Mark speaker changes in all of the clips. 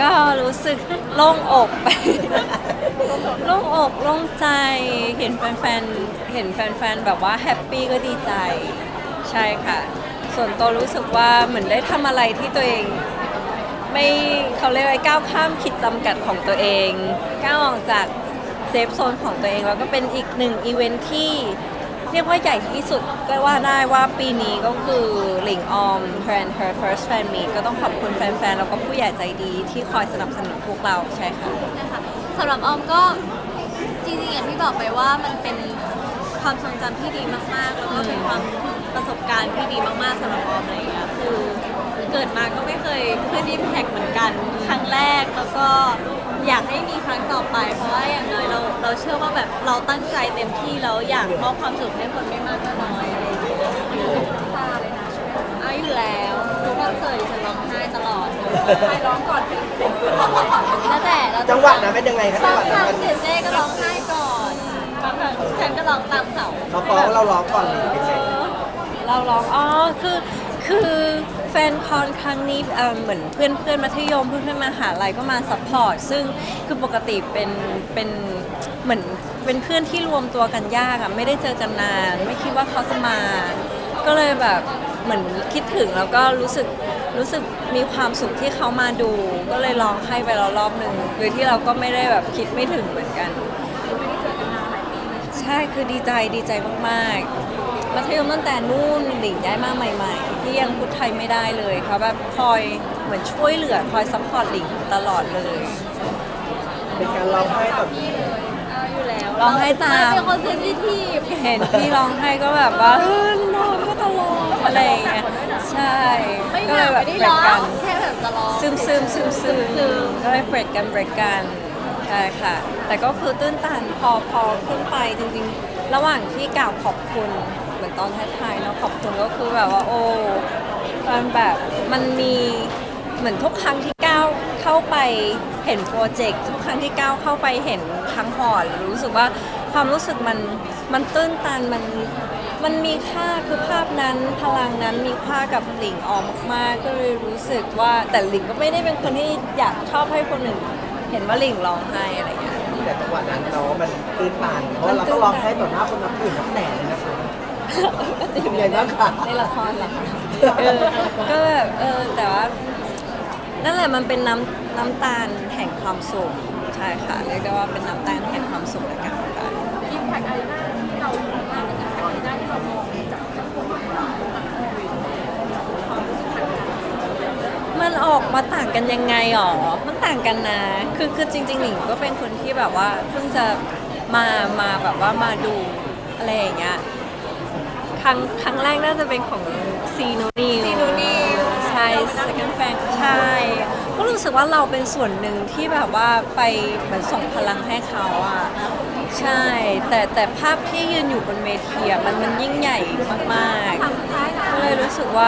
Speaker 1: ก็รู้สึกโล่งอกไป โล่งอกโล่งใจเห็นแฟนๆเห็นแฟนๆแบบว่าแฮปปี้ก็ดีใจใช่ค่ะส่วนตัวรู้สึกว่าเหมือนได้ทำอะไรที่ตัวเองไม่เขาเรียกว่าก้าวข้ามขีดจำกัดของตัวเองก้าวออกจากเซฟโซนของตัวเองแล้วก็เป็นอีกหนึ่งอีเวนท์ที่เรียกว่าใหญ่ที่สุดก็ว่าได้ว่าปีนี้ก็คือหลิงออม Brand Her First Fan Meet ก็ต้องขอบคุณแฟนๆแล้วก็ผู้ใหญ่ใจดีที่คอยสนับสนุนพวกเราใช่ค่ะ
Speaker 2: นะคะสำหรับออมก็จริงๆอย่างที่บอกไปว่ามันเป็นความทรงจำที่ดีมากๆแล้วก็เป็นความประสบการณ์ที่ดีมากๆสำหรับออมอะไรอย่างเงี้ยคือเกิดมาก็ไม่เคยขึ้นอิมแพคเหมือนกันครั้งแรกแล้วก็อยากให้มีครั้งต่อไปเพราะว่าอย่างน้อยเราเชื่อว่าแบบเราตั้งใจเต็มที่แล้วอยากมอบความสุขให้คนไม่มากก็น้อยอะไรอย่างเงี้ยตาเลยนะเอาอยู่แล้วทุกคอนเสิร์ตฉันร้องไห้ตลอดใครร้องก่อนแล้วแต่
Speaker 3: จังหวะนั้นเป็นยังไงครับจังหวะนั้นมัน
Speaker 2: เสียเจ๊ก็ร้องไห้ก่อนบางครั้งฉันก็ร้องตามเขา
Speaker 3: เขาฟ้องเราร้องก่อนหรือเป็นไง
Speaker 1: เราร้องคือแฟนคอนครั้งนี้เหมือนเพื่อนมัธยมเพื่อนมหาลัยก็มาซัพพอร์ตซึ่งคือปกติเป็นเหมือนเป็นเพื่อนที่รวมตัวกันยากอะไม่ได้เจอกันนานไม่คิดว่าเขาจะมา ก็เลยแบบเหมือนคิดถึงแล้วก็รู้สึกมีความสุขที่เขามาดู ก็เลยร้องให้ไปแล้วรอบหนึ่งโดยที่เราก็ไม่ได้แบบคิดไม่ถึงเหมือนกันใช่คือดีใจมากๆมัธยมตั้งแต่นู่นหลิงย้ายมาใหม่ๆที่ยังพูดไทยไม่ได้เลยเขาแบบคอยเหมือนช่วยเหลือคอยซัพพอร์ตหลิงตลอดเลย
Speaker 3: เป็นการร้องไห้แบบ
Speaker 2: อยู่แล้ว
Speaker 1: ร้องไห้ตาม
Speaker 2: เป็นคนเซนซิทีฟ
Speaker 1: เห็นพี่ร้องไห้ก็แบบว่าร้องก็ตลอดอะไรอย่างเงี้ยใช่
Speaker 2: ไม่
Speaker 1: ก็
Speaker 2: ห
Speaker 1: เล
Speaker 2: นั
Speaker 1: ย
Speaker 2: ก
Speaker 1: แบ
Speaker 2: ไม่
Speaker 1: บ
Speaker 2: ได้
Speaker 1: เบร
Speaker 2: ร้
Speaker 1: ก
Speaker 2: อ
Speaker 1: กั
Speaker 2: ง
Speaker 1: น
Speaker 2: แค่แบบจะร้อง
Speaker 1: ซึมก็เลยเบรกกันใช่ค่ะ แต่ก็คือตื้นตันพอขึ้นไปจริงๆ ระหว่างที่กล่าวขอบคุณเหมือนตอนท้ายๆเนาะขอบคุณก็คือแบบว่าโอ้มันแบบมันมีเหมือนทุกครั้งที่ก้าวเข้าไปเห็นโปรเจกต์ทุกครั้งที่ก้าวเข้าไปเห็นทั้งหอรู้สึกว่าความรู้สึกมันตื้นตันมันมีค่าคือภาพนั้นพลังนั้นมีค่ากับหลิงออมมากๆก็เลยรู้สึกว่าแต่หลิงก็ไม่ได้เป็นคนที่อยากชอบให้คนอื่นเห็นว่าหลิงร้องไห้อะไรอย่างเงี้ย
Speaker 3: แต่จังหวะนั้นเรามันตื้นตันเพราะเราต้องร้องไห้ต่อหน้าคนนับหมื่นนับแสนเลยนะคะเป็นยังไงบ้างคะ
Speaker 1: ในละครเหรอคะก็แบบแต่ว่านั่นแหละมันเป็นน้ำตาลแห่งความสุขใช่ค่ะเรียกได้ว่าเป็นน้ำตาลแห่งความสุขในการทำงาน
Speaker 2: อิมแพคอารีนาที่เรามองว่าเป็นอิมแพคอารีนาที่เรามองจากคนของเราความรู้สึกต่างกัน
Speaker 1: มันออกมาต่างกันยังไงหรอ มันต่างกันนะ คือจริงๆหลิงก็เป็นคนที่แบบว่าเพิ่งจะมาแบบว่ามาดูอะไรอย่างเงี้ย ครั้งแรกน่าจะเป็นของซีโนนิวใช่ second fan ใช่ ก็รู้สึกว่าเราเป็นส่วนหนึ่งที่แบบว่าไปเหมือนส่งพลังให้เขาอ่ะ ใช่ แต่ภาพที่ยืนอยู่บนเวทีอะมันยิ่งใหญ่มากๆ ก็เลยรู้สึกว่า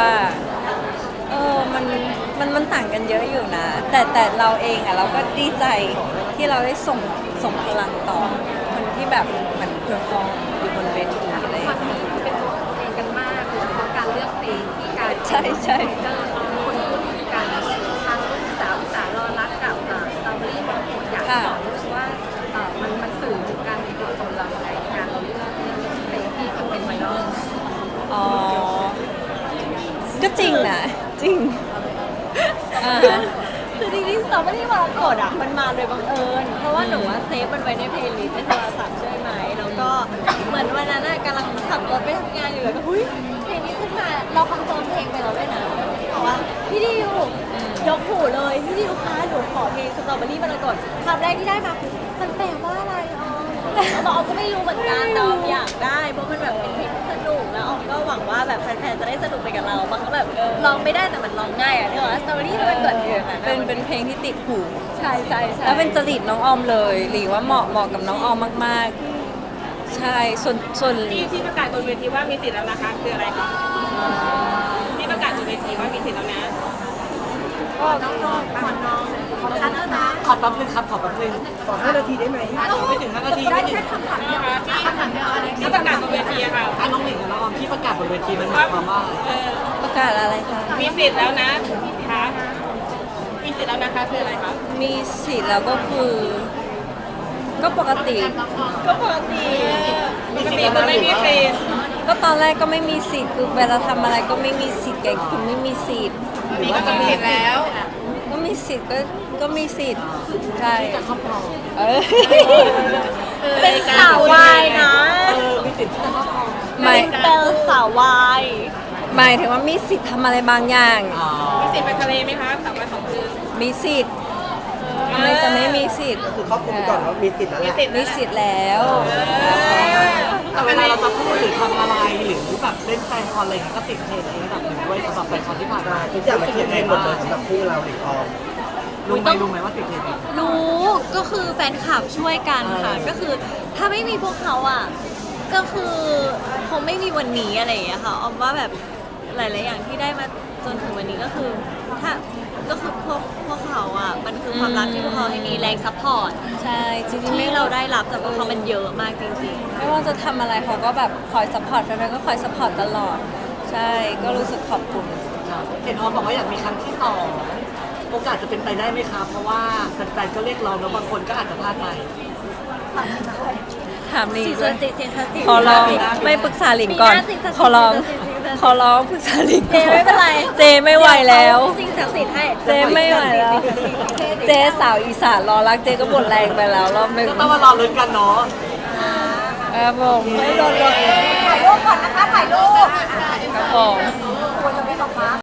Speaker 1: มันต่างกันเยอะอยู่นะ แต่เราเองอ่ะเราก็ดีใจที่เราได้ส่งพลังต่อคนที่แบบเหมือนเพอร์ฟอร์มอยู่บนเวทีอะไรอย่างเงี้ย
Speaker 2: เป็นตัวเองกันมากโดยเฉพาะการเลือกเพลงที่การ
Speaker 1: ใช่ใช่
Speaker 2: ก็คนพูดถึงการทั้งสาวรอรักกับสตรอเบอรี่บางคนอยากบอกรู้สึกว่ามันสื่อถึงการเป็นตัวตนเราในการเราเลือกเพลงที่เป็นไวรัล
Speaker 1: อ๋อ ก็จริงนะ จริงอ่าฮะ
Speaker 2: คือจริงๆสตรอเบอรี่มรกตอ่ะมันมาโดยบังเอิญเพราะว่าหนูว่าเซฟมันไว้ในเพลย์ลิสต์ในโทรศัพท์ใช่ไหมแล้วก็เหมือนวันนั้นกำลังขับรถไปทำงานอยู่แล้วก็เฮ้ยเพลงนี้ขึ้นมาเราคอนเฟิร์มเพลงไปแล้วด้วยนะบอกว่าพี่ดิวยกหูเลยพี่ดิวคะหนูขอเพลงสตรอเบอรี่มรกตคำแรกที่ได้มาคือมันแปลว่าอะไรอ๋อแล้วออมก็ไม่รู้เหมือนกันแต่ออมอยากได้เพราะมันแบบเป็นเพลงที่สนุกแล้วออมก็หวังว่าแบบแฟนๆจะได้สนุกไปกับเราบางครั้งแบบร้องไม่ได้แต่มันร้องง่ายอ่ะเนี่ยสตรอเบอรี่มันเกิดอยู่อย่างนั้น
Speaker 1: เป็นเพลงที่ติดหู
Speaker 2: ใช่ใช่ใช่
Speaker 1: แล้วเป็นจริตน้องออมเลยหรือว่าเหมาะกับน้องออมมากๆ ใช่ ส่วน
Speaker 4: ที่ประกาศบนเวทีว่ามีสิทธิ์แล้วนะคะคืออะไรคะที่ประกาศบนเวทีว่ามีสิทธิ์แล้วนะ
Speaker 2: ก็น้องขอน้องขอทันนะ
Speaker 3: ขอแป๊บนึงครับขอแป๊บนึงขอ5 นาทีได้ไหม
Speaker 4: ไม่ถึง5 นาทีไม่ถึงคำถามเดียวที่ประกาศบนเวทีอะค่ะ
Speaker 3: น้องหนิงกับน้องออมที่ประกาศบนเวทีมันหมายความว่า
Speaker 4: เออ
Speaker 1: ประกาศอะไรคะ
Speaker 4: มีสิทธิ์แล้วนะคะมีสิทธิ์แล้วนะคะคืออะไรคะ
Speaker 1: มีสิทธิ์แล้วก็คือ ก็ปกติ
Speaker 2: ก็ปกติ
Speaker 4: ปกติคือไม่มีสิทธิ์
Speaker 1: ก็ตอนแรกก็ไม่มีสิทธิ์คือเวลาทำอะไรก็ไม่มีสิทธิ์ไงคือไม่มีสิทธิ์
Speaker 4: มีก็มีสิทธิ์แล้ว
Speaker 1: ก็มีสิทธิ์ก็มีสิทธิ์ใช่จะครอบครอง
Speaker 2: เป็นสาววายนะ
Speaker 3: มีสิทธิ์ที่จะครอบครอง
Speaker 1: หมาย
Speaker 2: เป็นสาววาย
Speaker 1: หมายถึงว่ามีสิทธิ์ทำอะไรบางอย่าง
Speaker 4: มีสิทธิ์ไปทะเลไหมคะ3 วัน 2 คืน
Speaker 1: มีสิทธิ์ทำไมจะไม่มีสิทธิ์
Speaker 3: คือครอบคลุมก่อนว่ามีสิทธิ์นั่นแห
Speaker 4: มี
Speaker 3: ละ
Speaker 4: สิทธิ์
Speaker 1: มีสิทธิ์แล้ว
Speaker 5: แต่เวลาเราจะพูดหรือทำอะไรหรือแบบเล่นแฟนคอนอะไรอย่างเงี้ยก็ติดเทรนด์ในระดับหนึ่งด้วยสำหรับแฟนคอนที่ผ่านมา
Speaker 3: ทุกอย่างมันเทียบเองหมดเลยสำหรับคู่เราหลิงออม
Speaker 5: รู้ไหมว่าติดเทรนด์ไหม
Speaker 2: รู้ก็คือแฟนคลับช่วยกันค่ะ ก็คือถ้าไม่มีพวกเขาอ่ะ ก็คือคงไม่มีวันนี้อะไรอย่างเงี้ยค่ะออมว่าแบบหลาย ๆ อย่างที่ได้มาจนถึงวันนี้ก็คือถ้าก็คือพวกเขาอ่ะมันคือความรักที่พวกเขาให้มีแรงซัพพอร์ต
Speaker 1: ใช่จริงๆ
Speaker 2: ที่เราได้รับจากพวกเขามันเยอะมากจริง
Speaker 1: ไม่ว่าจะทำอะไรเขาก็แบบคอยสปอร์ตแฟนๆก็คอยสปอร์ตตลอด ใช่ก็รู้สึกขอบคุณ
Speaker 5: เห็นออมบอกว่าอยากมีครั้งที่สองโอกาสจะเป็นไปได้ไหมคะเพราะว่าแฟนๆก็เรียกร้องแล้วบางคนก็อาจจะพลาดไป
Speaker 1: ถาม
Speaker 2: ๆ
Speaker 1: ลิง
Speaker 2: สิ่ง
Speaker 1: ด้
Speaker 2: ศั
Speaker 1: วย
Speaker 2: กดิ์สิทธิ์สิ่งศักดิ์สิทธิ์
Speaker 1: ขอร้องไม่ปรึกษาลิงก่อน
Speaker 2: มีหน้าสิ่งศักดิ์สิทธิ์
Speaker 1: ขอร้อง
Speaker 2: สิ่งศักดิ์สิทธิ์
Speaker 1: ขอร้องปรึกษาลิง
Speaker 2: เจ
Speaker 1: ก่อน
Speaker 2: ไม่เป็นไร
Speaker 1: เจไม่ไหวแล้ว
Speaker 2: สิ่งศักดิ์สิทธิ์ให้
Speaker 1: เจไม่ไหวแล้ว เจสาวอีสานรอรักเจก็หมดแรงไปแล้วรอบหนึ่ง
Speaker 5: ก็ต้องมารอลุ้นกันเนาะ
Speaker 1: ครับผม
Speaker 2: ถ่ายรูปก่อนนะคะถ่ายรูป
Speaker 1: ครับผม
Speaker 2: ควรจะ